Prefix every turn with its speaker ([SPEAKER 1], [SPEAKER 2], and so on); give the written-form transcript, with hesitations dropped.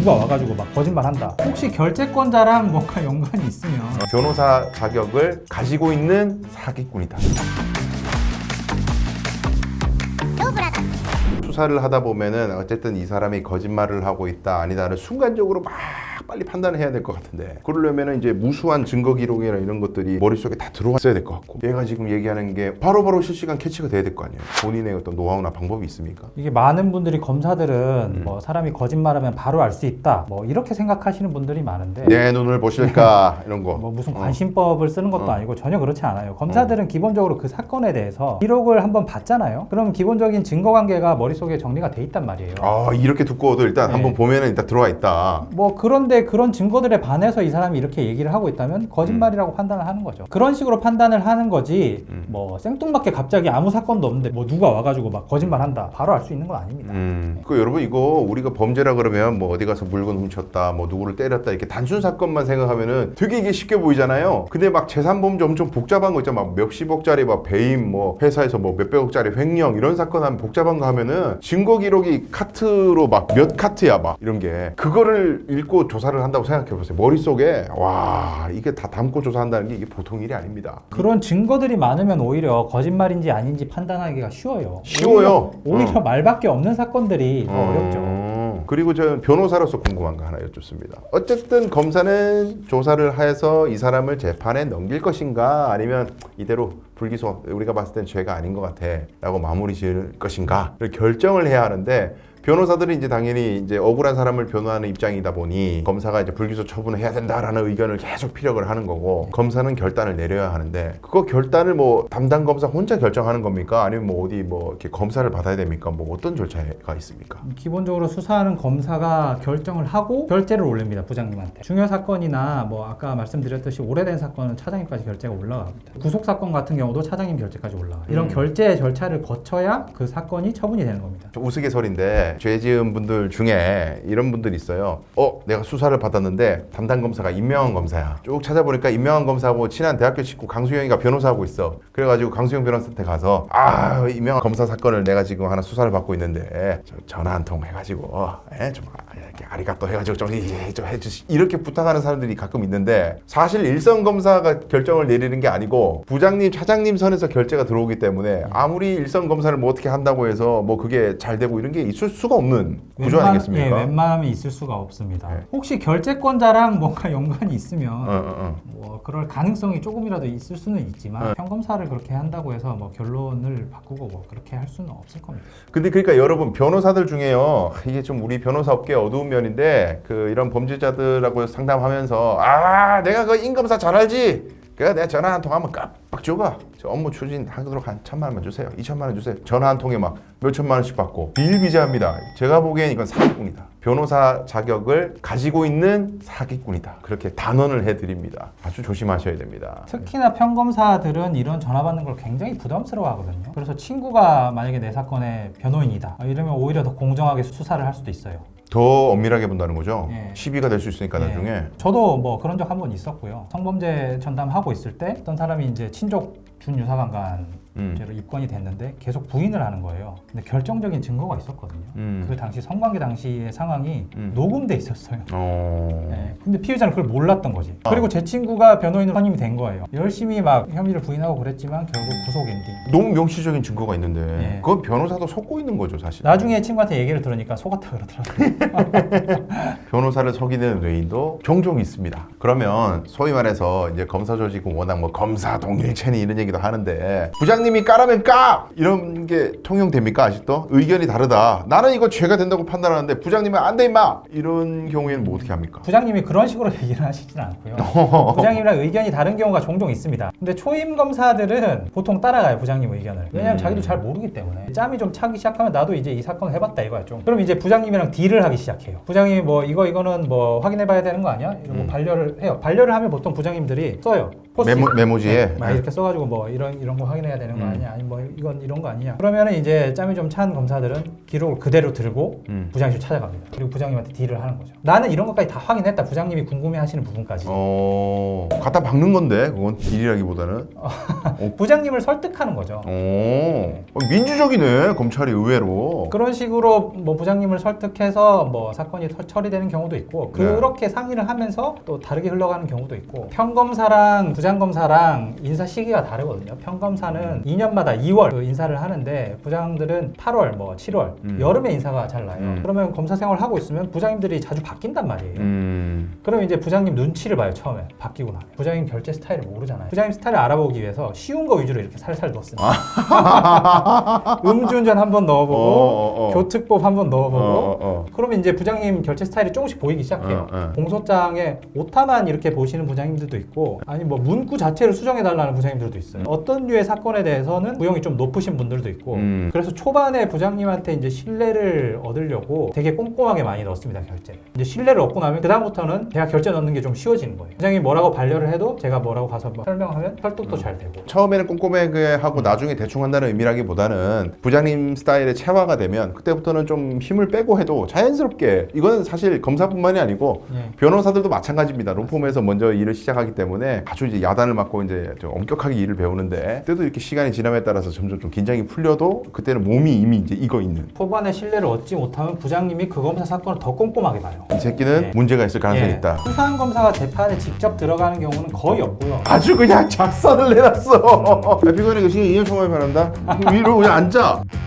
[SPEAKER 1] 누가 와가지고 막 거짓말한다. 혹시 결재권자랑 뭔가 연관이 있으면
[SPEAKER 2] 변호사 자격을 가지고 있는 사기꾼이다. 수사를 하다 보면은 어쨌든 이 사람이 거짓말을 하고 있다 아니다를 순간적으로 막 빨리 판단을 해야 될 것 같은데, 그러려면은 이제 무수한 증거 기록이나 이런 것들이 머릿속에 다 들어왔어야 될 것 같고, 얘가 지금 얘기하는 게 바로바로 실시간 캐치가 돼야 될 거 아니에요. 본인의 어떤 노하우나 방법이 있습니까?
[SPEAKER 1] 이게 많은 분들이 검사들은 뭐 사람이 거짓말하면 바로 알 수 있다 뭐 이렇게 생각하시는 분들이 많은데,
[SPEAKER 2] 내 눈을 보실까 이런 거
[SPEAKER 1] 뭐 무슨 관심법을 쓰는 것도 아니고 전혀 그렇지 않아요. 검사들은 기본적으로 그 사건에 대해서 기록을 한번 봤잖아요. 그럼 기본적인 증거관계가 머릿속에 정리가 돼 있단 말이에요.
[SPEAKER 2] 이렇게 두꺼워도 일단
[SPEAKER 1] 네.
[SPEAKER 2] 한번 보면은 일단 들어와 있다.
[SPEAKER 1] 뭐 그런데 그런 증거들에 반해서 이 사람이 이렇게 얘기를 하고 있다면 거짓말이라고 판단을 하는 거죠. 그런 식으로 판단을 하는 거지 뭐 생뚱맞게 갑자기 아무 사건도 없는데 뭐 누가 와가지고 막 거짓말한다 바로 알 수 있는 건 아닙니다.
[SPEAKER 2] 그 여러분, 이거 우리가 범죄라 그러면 뭐 어디 가서 물건 훔쳤다, 뭐 누구를 때렸다 이렇게 단순 사건만 생각하면은 되게 이게 쉽게 보이잖아요. 근데 막 재산범죄 엄청 복잡한 거 있잖아. 막 몇십억짜리 막 배임, 뭐 회사에서 뭐 몇백억짜리 횡령 이런 사건 하면 복잡한 거 하면은 증거 기록이 카트로 막 몇 카트야 막 이런 게, 그거를 읽고 조사를 한다고 생각해 보세요. 머릿속에 와 이게 다 담고 조사한다는 게 이게 보통 일이 아닙니다.
[SPEAKER 1] 그런 증거들이 많으면 오히려 거짓말인지 아닌지 판단하기가 쉬워요.
[SPEAKER 2] 쉬워요.
[SPEAKER 1] 오히려 말밖에 없는 사건들이 더 어렵죠.
[SPEAKER 2] 그리고 저는 변호사로서 궁금한 거 하나 여쭙습니다. 어쨌든 검사는 조사를 해서 이 사람을 재판에 넘길 것인가, 아니면 이대로 불기소, 우리가 봤을 땐 죄가 아닌 것 같아 라고 마무리 지을 것인가를 결정을 해야 하는데, 변호사들은 이제 당연히 이제 억울한 사람을 변호하는 입장이다 보니 검사가 이제 불기소 처분을 해야 된다라는 의견을 계속 피력을 하는 거고, 검사는 결단을 내려야 하는데, 그거 결단을 뭐 담당 검사 혼자 결정하는 겁니까? 아니면 뭐 어디 뭐 이렇게 검사를 받아야 됩니까? 뭐 어떤 절차가 있습니까?
[SPEAKER 1] 기본적으로 수사하는 검사가 결정을 하고 결재를 올립니다. 부장님한테. 중요 사건이나 뭐 아까 말씀드렸듯이 오래된 사건은 차장님까지 결재가 올라갑니다. 구속 사건 같은 경우도 차장님 결재까지 올라가요. 이런 결재 절차를 거쳐야 그 사건이 처분이 되는 겁니다.
[SPEAKER 2] 우스갯소리인데 죄 지은 분들 중에 이런 분들이 있어요. 내가 수사를 받았는데 담당 검사가 임명한 검사야. 쭉 찾아보니까 임명한 검사하고 친한 대학교 친구 강수영이가 변호사하고 있어. 그래가지고 강수영 변호사한테 가서 임명한 검사 사건을 내가 지금 하나 수사를 받고 있는데 전화 한 통 해가지고 좀 이렇게 아리가또 해가지고 좀 해주시, 이렇게 부탁하는 사람들이 가끔 있는데, 사실 일선 검사가 결정을 내리는 게 아니고 부장님, 차장님 선에서 결재가 들어오기 때문에 아무리 일선 검사를 뭐 어떻게 한다고 해서 뭐 그게 잘 되고 이런 게 있을 수가 없는 구조 아니겠습니까?
[SPEAKER 1] 예, 웬만하면 있을 수가 없습니다.
[SPEAKER 2] 네.
[SPEAKER 1] 혹시 결재권자랑 뭔가 연관이 있으면 뭐 그럴 가능성이 조금이라도 있을 수는 있지만 평검사를 그렇게 한다고 해서 뭐 결론을 바꾸고 뭐 그렇게 할 수는 없을 겁니다.
[SPEAKER 2] 근데 그러니까 여러분, 변호사들 중에요, 이게 좀 우리 변호사 업계 어두운 면인데, 이런 범죄자들하고 상담하면서 내가 그 임검사 잘 알지? 내가 전화 한 통 하면 깜빡 줘가. 저 업무 추진하도록 한 1,000만 원만 주세요. 2,000만 원 주세요. 전화 한 통에 막 몇천만 원씩 받고 비일비재합니다. 제가 보기엔 이건 사기꾼이다. 변호사 자격을 가지고 있는 사기꾼이다. 그렇게 단언을 해드립니다. 아주 조심하셔야 됩니다.
[SPEAKER 1] 특히나 평검사들은 이런 전화 받는 걸 굉장히 부담스러워 하거든요. 그래서 친구가 만약에 내 사건의 변호인이다 이러면 오히려 더 공정하게 수사를 할 수도 있어요.
[SPEAKER 2] 더 엄밀하게 본다는 거죠?
[SPEAKER 1] 예.
[SPEAKER 2] 시비가 될 수 있으니까 나중에.
[SPEAKER 1] 저도 뭐 그런 적 한 번 있었고요. 성범죄 전담하고 있을 때 어떤 사람이 이제 친족 준유사관간죄로 입건이 됐는데 계속 부인을 하는 거예요. 근데 결정적인 증거가 있었거든요. 그 당시 성관계 당시의 상황이 녹음돼 있었어요. 네. 근데 피해자는 그걸 몰랐던 거지. 그리고 제 친구가 변호인으로 선임이 된 거예요. 열심히 막 혐의를 부인하고 그랬지만 결국 구속 엔딩.
[SPEAKER 2] 너무 명시적인 증거가 있는데
[SPEAKER 1] 예.
[SPEAKER 2] 그건 변호사도 속고 있는 거죠, 사실.
[SPEAKER 1] 나중에 친구한테 얘기를 들으니까 속았다 그러더라고요.
[SPEAKER 2] 변호사를 속이는 외인도 종종 있습니다. 그러면 소위 말해서 이제 검사 조직은 워낙 뭐 검사 동일체니 이런 얘기도 하는데, 부장님이 까라면 까! 이런 게 통용됩니까? 아직도? 의견이 다르다. 나는 이거 죄가 된다고 판단하는데 부장님은 안 돼 임마! 이런 경우에는 뭐 어떻게 합니까?
[SPEAKER 1] 부장님이 그런 식으로 얘기를 하시진 않고요. 부장님이랑 의견이 다른 경우가 종종 있습니다. 근데 초임 검사들은 보통 따라가요, 부장님 의견을. 왜냐면 자기도 잘 모르기 때문에. 짬이 좀 차기 시작하면 나도 이제 이 사건을 해봤다 이거야 좀. 그럼 이제 부장님이랑 딜을 하기 시작해요. 부장님이 뭐 이거는 뭐 확인해봐야 되는 거 아니야? 이러고 반려를 해요. 반려를 하면 보통 부장님들이 써요.
[SPEAKER 2] 메모지에
[SPEAKER 1] 막 이렇게 써가지고 뭐 이런 거 확인해야 되는 거 아니야? 아니 뭐 이건 이런 거 아니야? 그러면은 이제 짬이 좀 찬 검사들은 기록을 그대로 들고 부장실 찾아갑니다. 그리고 부장님한테 딜을 하는 거죠. 나는 이런 것까지 다 확인했다. 부장님이 궁금해하시는 부분까지.
[SPEAKER 2] 갖다 박는 건데 그건 딜이라기보다는.
[SPEAKER 1] 부장님을 설득하는 거죠.
[SPEAKER 2] 민주적이네 검찰이 의외로.
[SPEAKER 1] 그런 식으로 뭐 부장님을 설득해서 뭐 사건이 처리되는 경우도 있고 그렇게 상의를 하면서 또 다르게 흘러가는 경우도 있고 평검사랑 부장검사랑 인사 시기가 다르거든요. 평검사는 2년마다 2월 그 인사를 하는데 부장들은 8월 뭐 7월 여름에 인사가 잘 나요. 그러면 검사 생활을 하고 있으면 부장님들이 자주 바뀐단 말이에요. 그럼 이제 부장님 눈치를 봐요. 처음에 바뀌고 나면 부장님 결제 스타일을 모르잖아요. 부장님 스타일을 알아보기 위해서 쉬운 거 위주로 이렇게 살살 넣었습니다. 음주운전 한번 넣어보고 교특법 한번 넣어보고 그러면 이제 부장님 결제 스타일이 조금씩 보이기 시작해요. 공소장에 오타만 이렇게 보시는 부장님들도 있고 아니 뭐 문구 자체를 수정해달라는 부장님들도 있어요. 어떤 류의 사건에 대해서는 구형이 좀 높으신 분들도 있고 그래서 초반에 부장님한테 이제 신뢰를 얻으려고 되게 꼼꼼하게 많이 넣습니다. 결제를. 이제 신뢰를 얻고 나면 그다음부터는 제가 결제 넣는 게 좀 쉬워지는 거예요. 부장님이 뭐라고 반려를 해도 제가 뭐라고 가서 뭐 설명하면 설득도 잘 되고
[SPEAKER 2] 처음에는 꼼꼼하게 하고 나중에 대충 한다는 의미라기보다는 부장님 스타일의 체화가 되면 그때부터는 좀 힘을 빼고 해도 자연스럽게 이거는 사실 검사뿐만이 아니고 변호사들도 마찬가지입니다. 로펌에서 먼저 일을 시작하기 때문에 아주 이제 야단을 맞고 이제 좀 엄격하게 일을 배우는데 그때도 이렇게 시간이 지남에 따라서 점점 좀 긴장이 풀려도 그때는 몸이 이미 이제 익어 있는.
[SPEAKER 1] 초반에 신뢰를 얻지 못하면 부장님이 그 검사 사건을 더 꼼꼼하게 봐요.
[SPEAKER 2] 이 새끼는 문제가 있을 가능성이 있다.
[SPEAKER 1] 수사한 검사가 재판에 직접 들어가는 경우는 거의 없고요.
[SPEAKER 2] 아주 그냥 작성을 내놨어. 피고인에게 시간 2년 총괄 바란다. 위로 그냥 앉아.